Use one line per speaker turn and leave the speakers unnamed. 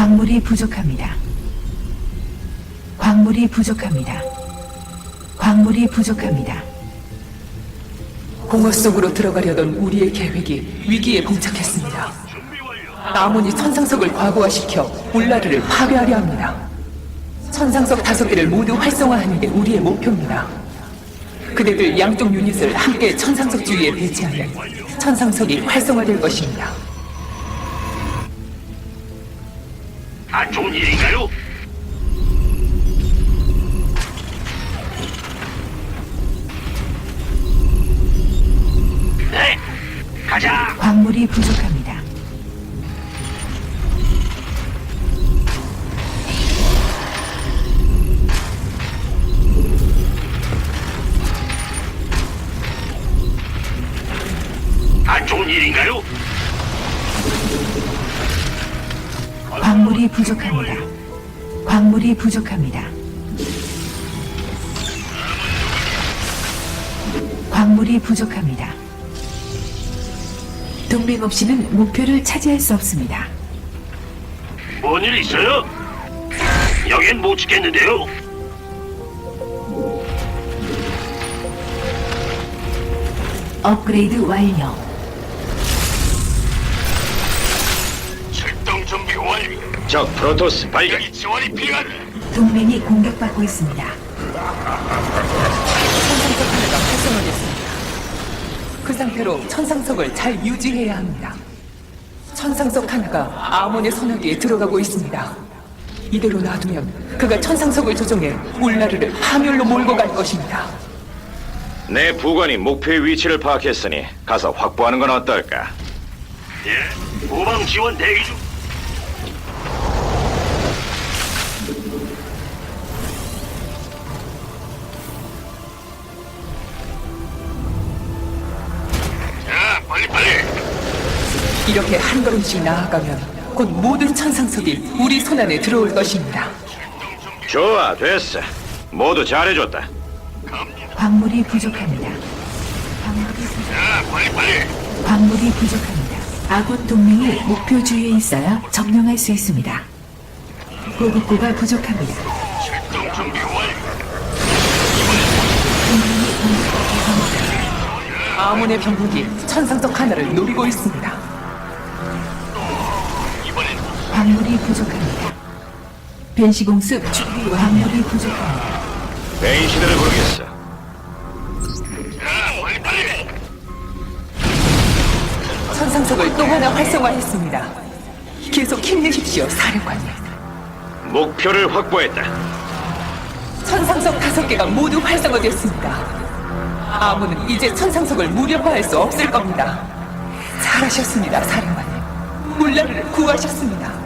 광물이 부족합니다. 광물이 부족합니다. 광물이 부족합니다.
공허 속으로 들어가려던 우리의 계획이 위기에 봉착했습니다. 아몬이 천상석을 과부하시켜 울라르를 파괴하려 합니다. 천상석 5개를 모두 활성화하는 게 우리의 목표입니다. 그대들 양쪽 유닛을 함께 천상석 주위에 배치하면 천상석이 활성화될 것입니다.
안 좋은 일인가요? 네, 가자.
광물이 부족합니다.
안 좋은 일인가요?
광물이 부족합니다. 광물이 부족합니다. 광물이 부족합니다. 동맹 없이는 목표를 차지할 수 없습니다.
뭔 일 있어요? 여긴 못 지켰는데요.
업그레이드 완료.
출동 준비 완료.
적 프로토스 발견.
여기 지원이 필요하다.
동맹이 공격받고 있습니다.
천상석 하나가 활성화됐습니다. 그 상태로 천상석을 잘 유지해야 합니다. 천상석 하나가 아몬의 소나기에 들어가고 있습니다. 이대로 놔두면 그가 천상석을 조종해 울라르를 파멸로 몰고 갈 것입니다.
내 부관이 목표의 위치를 파악했으니 가서 확보하는 건 어떨까?
예, 후방 지원 대기 중. 자, 빨리.
이렇게 한 걸음씩 나아가면 곧 모든 천상석이 우리 손안에 들어올 것입니다.
좋아, 됐어. 모두 잘해줬다.
광물이 부족합니다.
자, 빨리.
광물이 부족합니다. 아군 동맹이 목표 주위에 있어야 점령할 수 있습니다. 보급고가 부족합니다.
출동 준비 완료.
아몬의 병력이 천상석 하나를 노리고 있습니다.
이번엔
광물이 부족합니다. 변시공습 준비 광물이 부족합니다.
베인시대를 부르겠어.
자, 빨리.
천상석을 또 하나 활성화했습니다. 계속 힘내십시오, 사령관님.
목표를 확보했다.
천상석 5개가 모두 활성화됐습니다. 아몬은 이제 천상석을 무력화할 수 없을 겁니다. 잘하셨습니다, 사령관님. 울라르를 구하셨습니다.